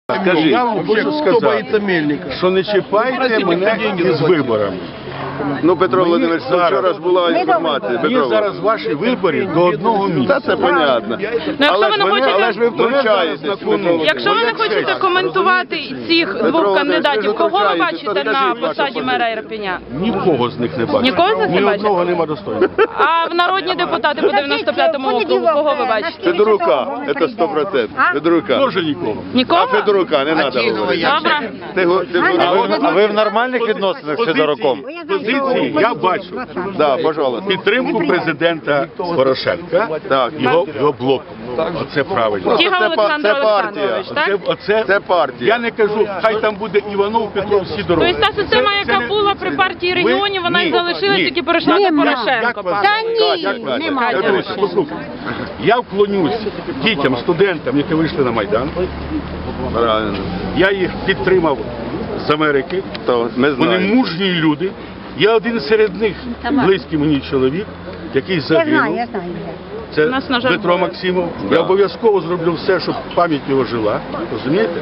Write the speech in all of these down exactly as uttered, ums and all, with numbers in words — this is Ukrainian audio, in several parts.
Скажи, я вам хочу сказати, що не чіпайте мене із виборами. Ну, Петро Володимирович, вчора ж була інформація. Мені зараз ваші вибори до одного місця. Та це понятно. Ну, якщо ви не мене- хочете- але ж ви втручаєтесь. Якщо ви не хочете коментувати цих двох кандидатів, кого ви бачите на посаді мера Ірпеня? Нікого з них не бачу. Нікого з них не Ні бачите? одного нема достойного. А в народні депутати по дев'яносто п'ятому округу кого ви бачите? Федорука, це сто процентів. Федорука. Тоже нікого. А Нікого? Федорука не треба говорити. Добре. Ти го- ти А говориш. ви, а ви в нормальних відносинах з Федоруком? Позиції я бачу. Да, пожалуйста. Підтримку президента Порошенка, Так. його, його блоку. Оце правильно. Тігал Це Олександр па- це партія. Олександрович, Оце, так? оце, Це партія. Я не кажу, хай там буде Іванов, Петров, Сидоров. Тобто та система, яка була при партії регіонів, вона і залишилась, тільки перейшла до Порошенка. пане. Як Катя? нема. Я Дивіться, послухайте. Я вклонюсь дітям, студентам, які вийшли на Майдан. Правильно. Я їх підтримав з Америки. То ми Вони знаємо. мужні люди. Я один серед них, близький мені чоловік, який Я знаю, загинув. я знаю. Це У нас, на жаль, Дмитро було. Максимов. Да. Я обов'язково зроблю все, щоб пам'ять його жила. Розумієте?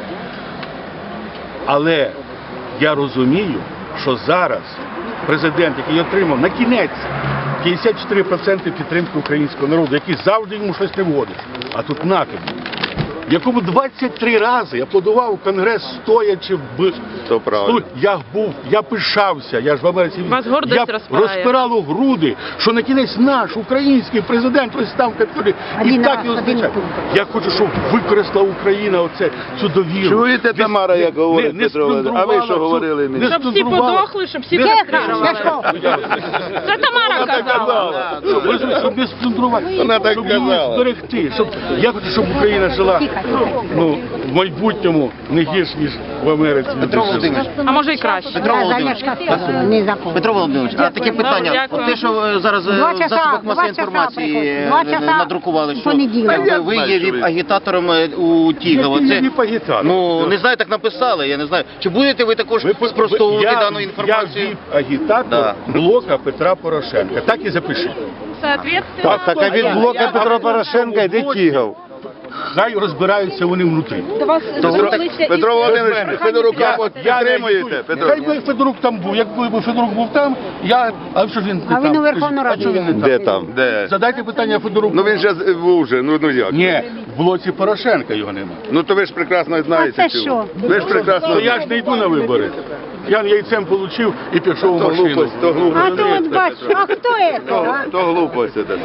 Але я розумію, що зараз президент, який отримав на кінець п'ятдесят чотири відсотки підтримки українського народу, який завжди йому щось не вгодить, а тут на тобі, якому двадцять три рази аплодував Конгрес стоячи в... То правильно. Я був, я пишався, я ж в Америці. Вас гордість я розпирає. розпирало груди, що на кінець наш український президент ось там в капітолі. І Один так раз, його один зустрічає. пункт. Я хочу, щоб використала Україна оце, цю довіру. Чуєте, Не- Тамара, як не- говорить не Петро Володимирович? А ви що сплюндрувала говорили всю- мені? не Щоб всі сплюндрувала. подохли, щоб всі Тихо, підтримали. Сашко. Це Тамара казала. Ви щоб не сплюндрувати, Вона так щоб її казала. зберегти. Щоб, я хочу, щоб Україна жила ну, в майбутньому не гірш, ніж в Америці. Петро Володимирович, А може і краще. Петро Я за Володимирович, Ляшка не закон. Петро Володимирович, а таке питання. дякую. От те, що е, зараз е, Два в часа, засобах два масової часа інформації приходить. е, Два е, часа надрукували, що понеділок. якби Я ви знаю, є що ви. віп-агітатором е, у Тігова. Це Це, не агітатор. ну, не знаю, так написали, я не знаю. Чи будете ви також Ви по- спростовувати я- дану інформацію? Я віп-агітатор Да. блока Петра Порошенка. Так і запишіть. Соответственно, Так, а від блока Петра Порошенка йде Тігов. Хай розбираються вони внутрі. Петро, Петро Володимирович, Федорука от Я не підтримуєте? агітую. Петро? Хай би Федорук там був. Якби Федорук був там, я... А що ж він не А там? він у Верховну Раду. А чого він не Де там? там? Де? Задайте питання Федоруку. Ну він же з- був вже, ну, ну як? Ні, в блоці Порошенка його нема. Ну то ви ж прекрасно знаєте. А це цього. що? Ви ж прекрасно То я ж не йду на вибори. Я яйцем получив і пішов в То машину. глупость, то глупость. А то от бачу, а хто це? То, то глупость. це.